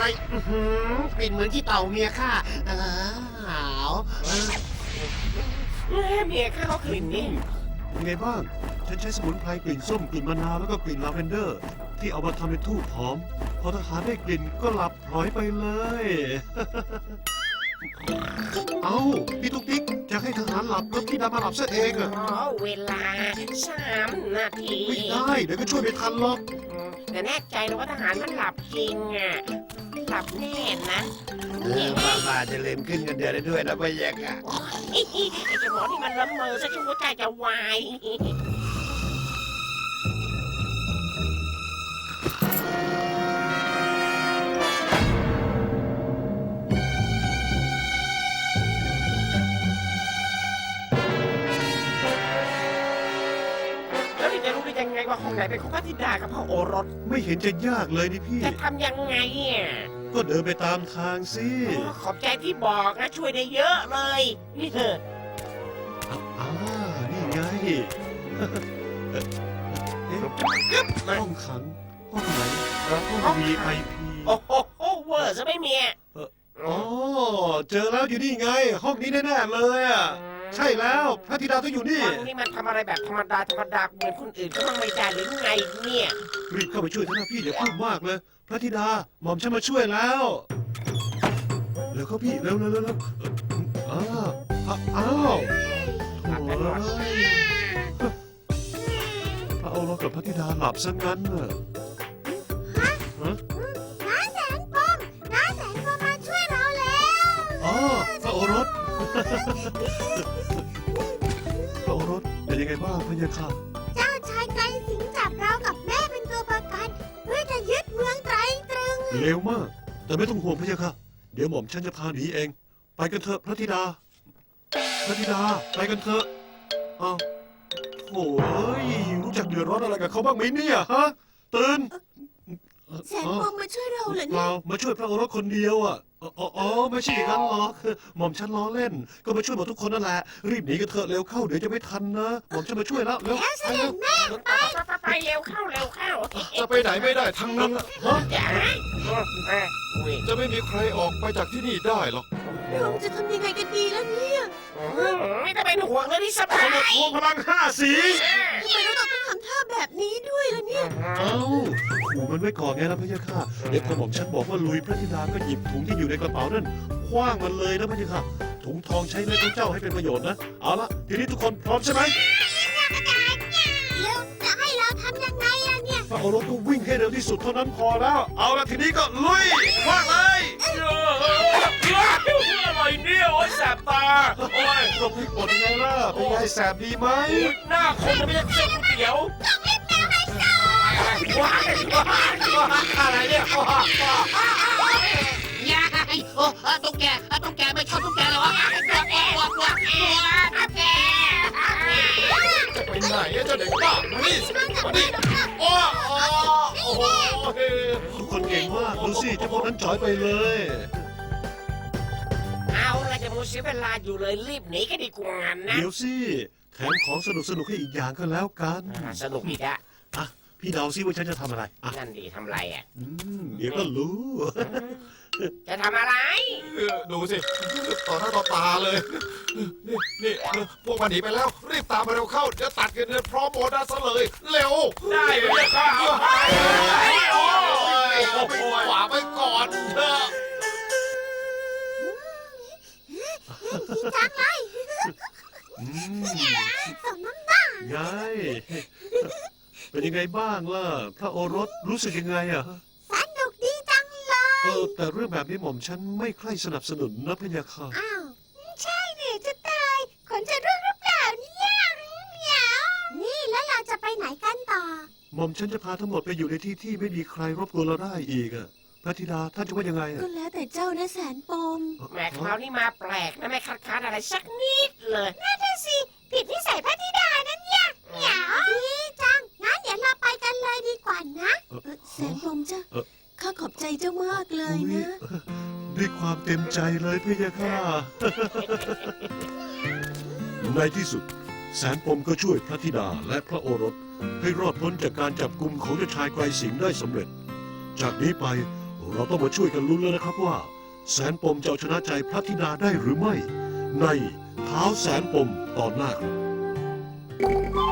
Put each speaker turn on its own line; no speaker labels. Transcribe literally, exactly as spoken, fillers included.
อื้อหือกลิ่นเหมือนที่เต่าเมียข้าเออหาวเออ
แม่เมียข้าเขากลิ่นนี่
เป็นไงบ้าง ฉันใช้สมุนไพรกลิ่นส้มกลิ่นมะนาวแล้วก็กลิ่นลาเวนเดอร์ ที่เอามาทำเป็นทูบหอม พอทหารได้กลิ่นก็หลับพลอยไปเลย เอ้าพี่ตุ๊กติ๊กจะให้ทหารหลับแล้วพี่ดำมาหลับซะเองอะ
อ๋อเวลาสามนาที
ไม่ได้เดี๋ยวก็ช่วยไม่ทันหรอก
อืมแต่แน่ใจเลยว่าทหารมันหลับจริงอ่ะหลับแน่นะ
เออบ้าบาจะลืมขึ้นเงินเดือนได้ด้วยนะพี่ยักษ์อะ
ไอ้เจ้าหมอที่มันละเมอซะจนหัวใจจะวาย แล้วนี่จะรู้ได้ยังไงว่าห้องไหนเป็นของพระธิดากับพระโอรส
ไม่เห็นจะยากเลยนี่พี่
จะทำยังไงอ่ะ
ก็เดินไปตามทางสิ
อ๋อขอบใจที่บอกนะช่วยได้เยอะเลยนี่เถอะ
อ่านี่ไง เอ๊ะห้องขัง ห้องไหนห้อง วี ไอ พี
โอ้โหเวอร์ซะไม่มีอ่ะ
อ๋อ เจอแล้วอยู่นี่ไง ห้องนี้แน่ๆเลยอ่ะ ใช่แล้วพระธิดาต้องอยู่นี่
วันนี้มันทำอะไรแบบธรรมดาธรรมดาเหมือนคนอื่นก็ต้องไม่ได้หรือไงเนี่ย
รีบเข้าไปช่วยเถอะนะพี่อย่าพูดมากเลย พระธิดาหม่อมฉันมาช่วยแล้วเร็วเข้าพี่เร็วเร็วเร็วเร็วเอ่ออ้าวอ้าวโถ่เอ้ยพระโอรสกับพระธิดาหลับซะงั้นน่ะฮะ
น้าแสนปมน้าแสนปมมาช่วยเราแล้ว
อ๋อพระโอรส พระโอรสเป็นยังไงบ้างพะยะค่ะ
เจ้าชายไกรสิงห์จับเรากับแม่เป็นตัวประกันเพื่อจะยึดเมืองไตรตรึง
เร็วมาก แต่ไม่ต้องห่วงพะยะค่ะ เดี๋ยวหม่อมฉันจะพาหนีเอง ไปกันเถอะพระธิดา พระธิดาไปกันเถอะอ้าวโถ่เอ้ยรู้จักเดือดร้อนอะไรกับเขาบ้างไหมเนี่ยฮะตื่น
แสนปมมาช่วยเราเหรอ
เป
เนี่ย
ล่ามาช่วยพระโอรสคนเดียวอ่ะอ๋ออ๋ออ๋อไม่ใช่อย่างนั้นหรอกหม่อมฉันล้อเล่น ก็มาช่วยหมดทุกคนนั่นแหละ รีบหนีกันเถอะเร็วเข้าเดี๋ยวจะไม่ทันนะหม่อมฉันมาช่วยแล้วเร็ว
แล้วเส
ไป
ด็
เร็
จ
ว
แม่
ไปไปไปเร็วเข้าเร็วเข้า
จะไปไหนไม่ได้ทั้งนั้นอะฮะ
อย่าอุ้ย
จะไม่มีใครออกไปจากที่นี่ได้หรอก
เราจะทำยังไงกันดีแล้วเนี่ย
ไม่ต้องเป็นห่วงเลยที่สบา
ขน
ย
มทวงพลังห้าสี
ทำไมเราต้องทำท่าแบบนี้ด้วยล่ะเนี่ย
เอ้าขู่มันไว้ก่อนไงนะพะยะค่ะ เดี๋ยวพอหม่อมฉันบอกว่าลุยพระธิดาก็หยิบถุงที่อยู่ในกระเป๋านั่นคว้างมันเลยนะพะยะค่ะ ถุงทองใช้เลือดของเจ้าให้เป็นประโยชน์นะ เอาละทีนี้ทุกคนพร้อมใช่ไหม
แล้วจะให้เราทำยังไงล่ะเนี่ย
พระโอรสก็วิ่งให้เร็วที่สุดเท่านั้นพอแล้ว เอาละทีนี้ก็ลุยคว้างเลย
อะไรเนี่ยโอ้ยแสบตา
โอ้ยหลบพริกหมดยังไงล่ะ เป็นไงแสบดีไหม
หน้าคนไม่ใช่เส้นก๋วยเตี๋ยวว้ายอะไรเนี่ย
ยายโอ้ตุ๊กแกตุ๊กแกไม่ชอบตุ๊กแกเลยวะกลัวกลัวกลัวกลัวตุ๊กแก
จะไปไหนอะเจ้าเด็กบ้ามานี่มานี่โอ้โอ้โอ้โห
ทุกคนเก่งมาก ดูสิเจ้าพวกนั้นจ่อยไปเลย
เอาละจะมัวเสียเวลาอยู่เลยรีบหนีกันดีกว่านะ
เดี๋ยวสิแถมของสนุกสนุกๆให้อีกอย่างก็แล้วกัน
สนุกอีกอะ
อ่ะ พี่เดาซิว่าฉันจะทำอะไร อ่ะ
นั่นดีทำไรอ่ะ
อืมเดี๋ยวก็รู้
จะทำอะไร
เออดูสิต่อหน้าต่อตาเลย นี่นี่พวกมันหนีไปแล้ว รีบตามมาเร็วเข้า เดี๋ยวตัดกันเงินพร้อมโบนัสซะเลย เร็ว
ได้เลยครับ
โอ้ยไปขวาไปก่อนเถอะ
ดีจังเลย
อืม
สมน้ำหน้า
ไง เป็นยังไงบ้างล่ะ พระโอรสรู้สึกยังไงอ่ะ
สนุกดีจังเลย
เออ แต่เรื่องแบบนี้หม่อมฉันไม่ใคร่สนับสนุนนะพะยะค่ะ
อ้าว ใช่เนี่ยจะตายขนจะร่วงหรือเปล่าเนี่ยเหมียวนี่แล้วเราจะไปไหนกันต่อ
หม่อมฉันจะพาทั้งหมดไปอยู่ในที่ที่ไม่มีใครรบกวนเราได้อีกอ่ะ พระธิดาท่านจะว่ายังไงอ่ะ
ก็แล้วแต่เจ้านะแสนปม
แหม่คราวนี้มาแปลกนะไม่คัดค้านอะไรสักนิดเลย
นั่นน่ะสิผิดวิสัยพระธิดานั่นเนี่ยเหมียวดีจังงั้นเดี๋ยวเราไปกันเลยดีกว่านะ
เออ
แสนปมจ้ะ
เออ
ข้าขอบใจเจ้ามากเลย
อุ๊ย
นะ
ด้วยความเต็มใจเลยพะยะค่ะ ในที่สุด แสนปมก็ช่วยพระธิดาและพระโอรส ให้รอดพ้นจากการจับกลุ่มของเจ้าชายไกรสิงห์ได้สำเร็จ จากนี้ไปเราต้องมาช่วยกันลุ้นแล้วนะครับว่า แสนปมจะเอาชนะใจพระธิดาได้หรือไม่ ในเท้าแสนปมตอนหน้าครับ